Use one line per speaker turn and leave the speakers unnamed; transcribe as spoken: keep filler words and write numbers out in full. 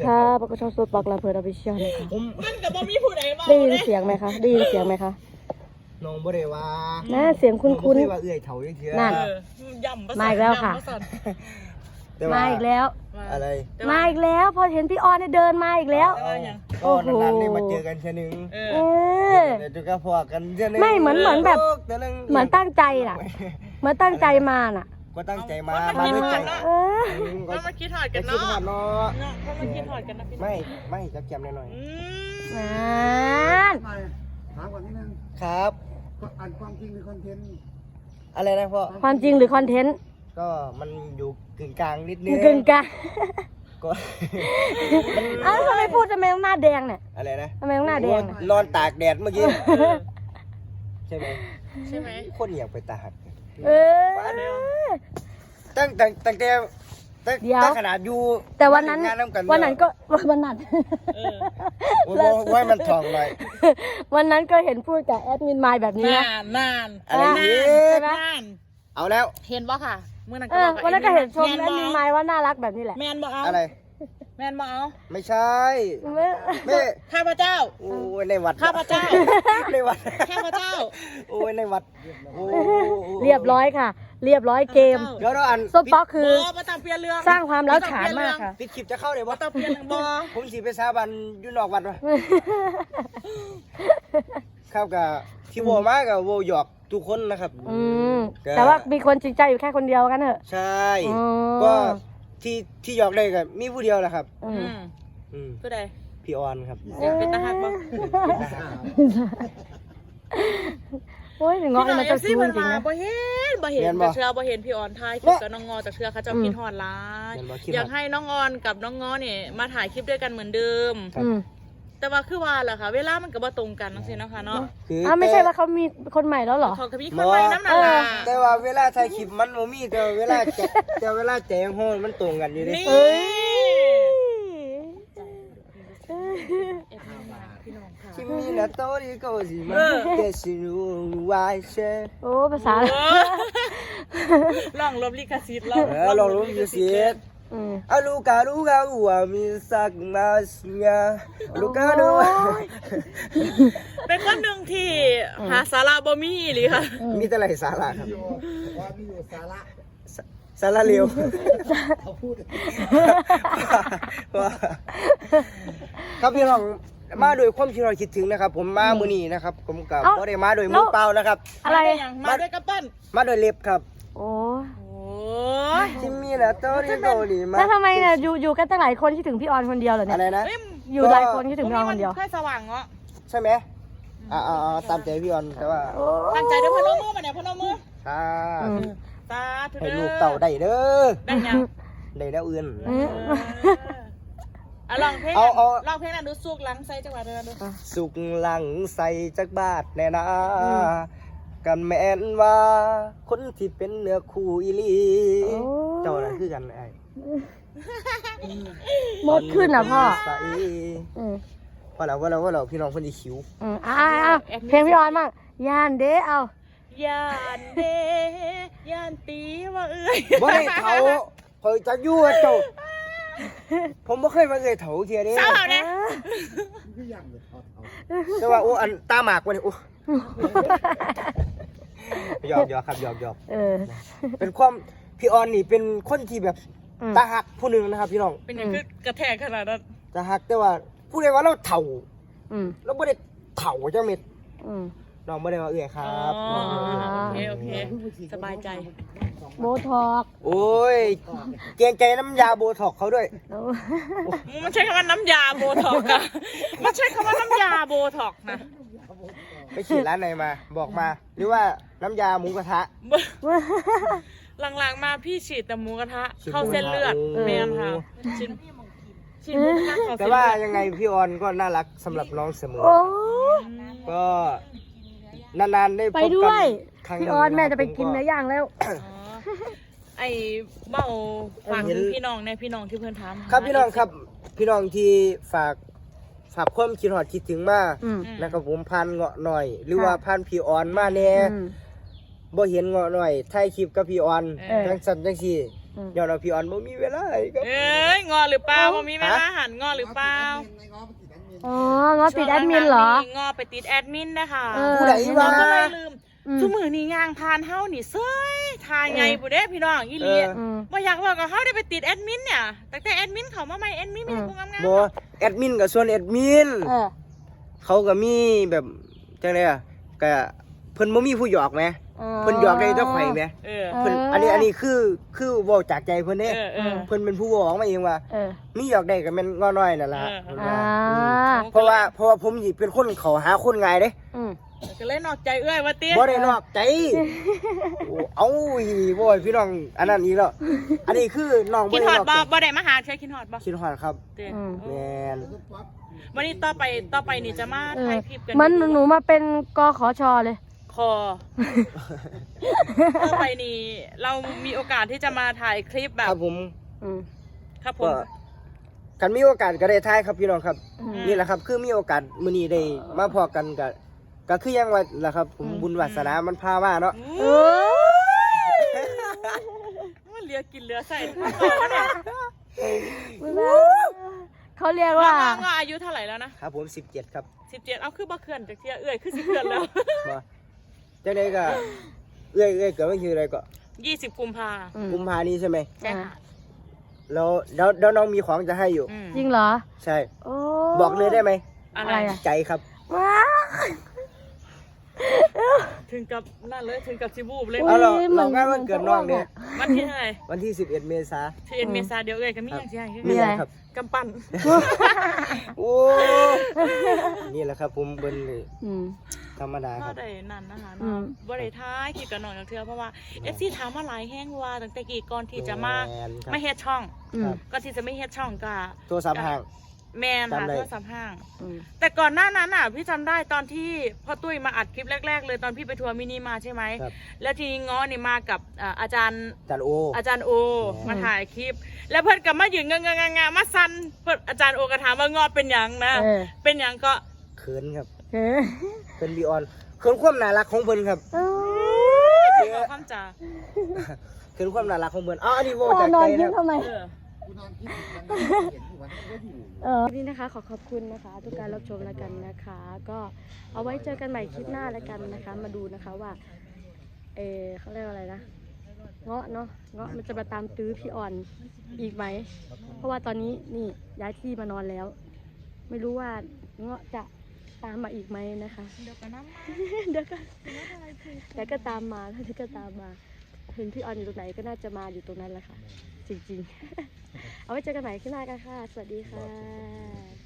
ค่ะปกติสดปากลาเพลินอภิเชียนะคะ
มันกับบ่มีผู้ใดมา
ได้ยินเสียงไหมคะได้ยินเสียงไหมคะ
น้องบ่ได้ว่า
น่าเสียงคุ้น
น้องบ่ได้ว่าเอื้อยเฒ่าจังซี่
นั่น
ย่ำ
มาอีกแล้วค่ะ มาอีกแล้ว
อะไร
มาอีกแล้วพอเห็นพี่ออนเนี่ยเดินมาอีกแล้ว
ก็นานๆได้มาเจอกันเทื่อนึง
เอ
เอ
อ
อ
เดี๋ยวจะก็พอกันเทื่อนึง
ไม่เหมือนเหมือนแบบเหมือนตั้งใจน่ะเหมือนตั้งใจมาน่ะ
ก็ตั้งใจมามาด้วยใจ
เออ
ก็มาคิดถอด
ก็
กัน
คิด
เนาะ
ฮอดเนาะ
เนาะก็มาคิดถอดกันนะพี่
ไม่ไม่จับแกมหน่อย
อืม
นั่น
ถามก่อนนิดนึง
ๆครับ
อ่านความจริงหรือคอนเทนต์
อะไรนะพ่อ
ความจริงหรือคอนเทนต์
ก็มันอยู่กึ่งกลางนิดนึง
กึ่งกลาง
ก็
เอ้าทำไมพูดทำไมต้องหน้าแดงเนี่ย
อะไรนะ
ทำไมต้องหน้าแดงน่ะ
นอนตากแดดเมื่อกี้ใช่ไหม
ใช่ไหม
คนอยากไปตาก
เออ
ตั้งแต่ตั้งแต่ตั้ง
เดี๋ยว
ตั้งขนาดอยู่
แต่วันนั้น
งานำกั
วันนั้นก็วันนั้น
เออ
โอ้โหไว้มันทองหน่อย
วันนั้นก็เห็นพูดกับแอดมินมายแบบนี้
นา
นะ
นนาน
อะไรอีก
ใช่ไหม
นาน
เอาแล้ว
เห็นบ่ค่ะเมื่อนั้น
เอ
ก็
อ
บอก
วันนั้นก็เห็นชมแอ
แม
ด
น
มิน
บ่
มายว่าน่ารักแบบนี้แหละ
แมนบ่เอา
อะไร
แมนบ่เอา
ไม่ใช่
ไม่
ไม่
ข้าพเจ้า
โอ้ยในวัด
ข้าพเจ้า
ในวัด
ข้าพเจ้า
โอ้ยในวัดโอ้
เรียบร้อยค่ะ เรียบร้อยเกม
เดี๋ยวเราอัน
ส้มป๊อกคือ
บ่บ่ต้องเปลี่ยนเรื่อง
สร้างความร้าวฉานมากค่ะ
ปิดคลิปจะเข้าเลย
บ่
วะ
ต้องเปลี่ยนเรื่องบ่
ผมสีไปสาบันอยู่นอกวัดวะครับกับที่โวมากับโวหยอกทุกคนนะครับ
อืมแต่ว่ามีคนจริงใจอยู่แค่คนเดียวกันเถอะ
ใช่
อ๋อ
ก็ที่ที่หยอกได้กับมีผู้เดียวแหละครับ
อื
อื
ม
ม
อืม
ผู้ใด
พี่ออนครับ
เป็นตาหักบ่
โอ้ยถึงเงาะนี่มันจะ
พี่
ชู
น้
จ
อง
ริง
เอฟซี
นะ
มันมาบ่เห็นบ่เห็นแต่เชื่อบ่เห็นพี่ออนถ่ายคลิปกับน้องงอจากเชื่อเขาเจ้าคิดฮอดหลายอยากให้น้องออนกับน้องงอเนี่ยมาถ่ายคลิปด้วยกันเหมือนเดิม
อืม
แต่ว่าคือว่าแหละค่ะ เวลามันก็บ่ตรงกันจังซี่เนาะค่ะเนาะ
คือ
อ้าวไม่ใช่ว่าเขามีคนใหม่แล้วเหรอ
เขาก็มีคนใหม่น้ำหนักล่ะ
แต่ว่าเวลาถ่ายคลิปมันบ่มีแต่เวลาแจแต่เวลาแจงโฮนมันตรงกันอยู่ดิ
นี่
เอ้ย
พี่น้องค่ะ
君の通り越しまで知るわいせ
โอ้ภาษา
ลองลบลิขสิทธิ์ล
เออลองรู้อยู่สิ
อืม
อาลูกาลูกาอูอามิสักมาสยาลูกาดู
เป็นคนหนึ่งที่หาสาระบ่มีหรือค่ะ
มีแต่ไรสาระครับ
ว่ามีอยู่สาระ
สาระเร็ว
เขาพูด
ว่าครับพี่น้องมาโดยความที่เราคิดถึงนะครับ ผมมามื้อนี้นะครับผมกับ
เอ้า
บ่ได้มาโดยมือเปล่านะครับ
อะไร
มาด้ยังมาด้วยกระปั้น
มาโดยเล็บครับ
โอ้
โอ้ย
ที่มีนะโตริโกดีมา
แล้วทำไมเนี่ยอยู่อยู่กันตั้งหลายคนคิดถึงพี่ออนคนเดียวเหรอเนี่
อะ
ย
ไรนะ
เอ้ย
อยู่หลายคนคิดถึงพี่ออนคนเดียว
แค่สว่างเนาะ
ใช่ไหมอ่าๆตามใจพี่ออนแต่ว่า
โอ้
ตั้งใจด้วยพนมมือมาเนี่ยพนมมือ
ถ้า
อืม
สาธุ
ให้
เด้อ
ลูกเต่าได้เด้อ
ได้ยัง
ได้แล้วอื่น
อืม
อ่ะลองเพลง
เอาเอา
ลองเพลงนั้นดูสุกหลังใส่จังหวะเดินดู
สุกหลังใส่จักบาทแน่นะกันแม่นว่าคนที่เป็นเนื้อคู่อีหลี
โอ้
เจ้าน่ะคือกันไอ้
มดขึ้นอ่ะพ่อ
ใส่
อืม
พอแล้วพอแล้วพอแล้วพี่น้องคนที่คิว
อืมอ่าอ่าเพลงพี่ออนบ้างย่านเด้เอา
ยานเดยานตีว่าเอ้ย
บ่ได้เถาคอยจะอยู่กับเจ้าผมบ่เคยมาเอ่ยเถาเทียเด้
เศร้าเนี่ย
คืออย่างเลยเอาเอา
แต่ว่าโอ้อันตาหมากวะนี่โอ้หยอกหยอกครับหยอกหยอก
เออ
เป็นความพี่ออนนี่เป็นคนที่แบบ
อืม
ตาหักผู้หนึ่งนะครับพี่น้อง
เป็นอย่างคือกระแทกขนาดนั้น
ตาหักแต่ว่าผู้ใดว่าเราเถ่า
อืม
เราไม่ได้เถ่าจังเม็ด
อืม
น้องไม่ได้ว่าเอื่อยครั
อ๋อบ โอเคโอเคสบายใจ
โบทอก
โอ้ยเกรงใจน้ำยาโบท็อกเขาด้วย
โอ้
มันใช้คำว่าน้ำยาโบท็อกอะมันใช้คำว่าน้ำยาโบท็อกนะ
ไปฉีดร้านไหนมา บอกมา หรือว่าน้ำยาหมูกระทะ
หลังๆมาพี่ฉีดแต่หมูกระทะ
ฉีด
เข้าเส้นเลือด
หมูกระทะ
แมนค่ะฉีดฉีดหมูกระทะเข้า
แต่
เส้น
ว่า
เลือด
ยังไงพี่ออนก็น่ารักสำหรับน้องเสมอ
โอ้
ก็นานๆได้พ
ไป
บ
ด้
กั
วย
ครั้งห
พี่
นึ่ง
ออนแม่
ค
จะ
รับ
ไปกิน
ผม
เนื้อย่างแล้ว
อ๋อไอ้เบ้าฝากถึงพี่น้องในพี่น้องที่เพื่อนถาม
ครับพี่น้องครับ พี่น้องที่ฝากฝากความคิดหอดคิดถึงมา
อืม
นะครับผมพันเงาะหน่อย หรือ
ค่ะ
ว่าพันพี่ออนมาแน่
อืม
บ่เห็นเงาะหน่อยถ่ายคลิปกับพี่ออน
เออ
จังสันจังสี่
อืม
ย้อนว่าพี่ออนบ่มีเวลาให้ครับ
เอ้ยงอหรือเปล่าบ่มีเวลาหันงอหรือเปล่า
อ๋องอติดแอดมินเหรอ
ช่วงหลังๆงอไปติดแอดมินนะคะ
เออ
ผู้ใดวะ
ก็เลยลืม
อืม
ทุกมือนี่ย่างผ่านเฮานี่เซ้ยทายไงผู้เด้พี่น้องอีหลี
เออ
อืม
บ่อยากว่ากับเฮาได้ไปติดแอดมินเนี่ยแต่แต่แอดมินเขามาใหม่แอดมินมีแต่พวกงาม
บ่แอดมินกับส่วนแอดมิน
เออ
เขาก็มีแบบจังได๋อ่ะก็เพิ่นบ่มีผู้หยอกแหมเพิ่นหยอกได้แต่ข่อยแหม
ๆเออ
เพิ่นอันนี้อันนี้คือคือเว้าจากใจเพิ่นเด้
เออเออ
เพิ่นเป็นผู้เว้าออกมาเองว่า
เออ
มีหยอกได้ก็แม่นง้อน้อยนั่นล่ะ
เออ
เพิ่น
อ่า
ว่าอืมเพราะว่าเพราะว่าผมสิเป็นคนเข้าหาคนง่ายเด้
อืม
ก็เลยนอกใจเอ้ยว่าติ
บ่ได้นอกใจโอ้เอ้าอีบ่อยพี่น้องอันนั้นอีกแล้วอันนี้คือน้องบ่
คิด
ได้
ฮอด
นอก
บ่
ใจ
บ่ได้มาหาเชื่อคิดฮอดบ่
คิดฮอดครับ
เด้
อืม
แม่น
วันนี้ต่อไปต่อไปนี่จะมา
เอ
ถ่า
อย
คลิปกัน
มันหนูมาเป็นกขอชอเลย
คอ ต่อไปนี่เรามีโอกาสที่จะมาถ่ายคลิปแบ
ค
บ
รับผม
อืม
ครับผ
ก็
ม
กันมีโอกาสก็ได้ทายครับพี่น้องครับ
อืม
นี่แหละครับคือมีโอกาสมื้อนี้ได้มาพอกันก็ก็คือยังว่าล่ะครับ ผมบุญวาสนามันพามาเนาะ
เออ
มันเหลือกินเหลือใส่ทั้งตัวเนี่ย
เขาเรียก
ว่า
ว่า
ว่าอายุเท่าไหร่แล้วนะครับ
ผมสิบเจ็ดครับ
สิบเจ็ดเอาคือบ่เขื่อนจากเที่ยเอ้ยคือสิเขื่อนแล้ว
บ่จังไดก็เอ้ยเอ้ยเกิดวันที่อะไรก็
ยี่สิบกุมภา
อืม
กุมภานี้ใช่ไหม
ใช่ค่ะ
แล้วแล้วแล้วน้องมีของจะให้อยู่
อืม
จริงเหรอ
ใช่
โอ้
บอกเลยได้ไหม
อะไร
อะไรอะ
ใจครับ
ว้า
ถึงกับนั่นเลยถึงกับซิบูบเลย
อุ๊ย
เอาเรา
เหมื
เรา
อน
งานวันเกิดน้องเนี่ย
วันที่เท่าไหร่
วันที่สิบเอ็ดเมษา
ที่เอ็นเมษาเดียวเอ้ยก็มีอย่างที่ให้
มีอะไรครับ
กำปั้น
โอ้นี่แหละครับ ผมเบิ้ลเลย
อืม
ธรรมดาค
ก็
รับ
ได้นั่นนะคะ
อืม
บ่ได้ท้ายคิดกับน้องจากเทือเพราะว่าเอฟซีถามมาหลายแห้งว่าตั้งแต่กี่ก่อนที่จะมา
แนครับ
ไม่เฮ็ดช่อง
อืม
ก่อนที่จะไม่เฮ็ดช่องก็
โทรศัพท์ห่าง
แมนค่ะ
จำได้
โทรศัพท์ห้าง
อืม
แต่ก่อนหน้านั้นอ่ะพี่จำได้ตอนที่พ่อตุ้ยมาอัดคลิปแรก ๆ เลยตอนพี่ไปทัวร์มินิมาใช่ไหม
ครับ
แล้วทีนี้ง้อนี่มากับอ่าอาจารย์
จันโอ
อาจารย์โอ
อืม
มาถ่ายคลิป แล้วเพื่อนก็มายืนงงงๆๆๆมาซันเพื่อนอาจารย์โอก็ถามว่างอเป็นหยังนะ
เออ
เป็นหยังก็
เขินครับ
เออ
เป็นบีออนเขินความน่ารักของเพิ่นครับ
เออ
ขอความจ่า
เขินความน่ารักของเพิ่นอ๋ออันนี้โว
พ่อ
จาก
นอ
ใจ
นยิ้
นะ
ม
ครับ
ทำไม
เออ
กูนอนคิดถึงมันเห็นอยู่วันนี้ก็อยู่
เออนี่นะคะขอขอบคุณนะคะ ทุกการรับชมแล้วกันนะคะ ก็เอาไว้เจอกันใหม่คลิปหน้าแล้วกันนะคะ มาดูนะคะว่า เออเขาเรียกว่าอะไรนะเงาะเนาะเงาะมันจะมาตามตื้อพี่อ่อนอีกไหม เพราะว่าตอนนี้นี่ย้ายที่มานอนแล้ว ไม่รู้ว่าเงาะจะตามมาอีกไหมนะคะ
เดี๋ยวกันนะ
เดี๋ยวก็เดี๋ยวก็ตามมาถ้าเดี๋ยวก็ตามมาเห็นพี่ออนอยู่ตรงไหนก็น่าจะมาอยู่ตรงนั้นแหละค่ะ จริงๆ เอาไว้เจอกันใหม่ขึ้นหน้ากันค่ะ สวัสดีค่ะ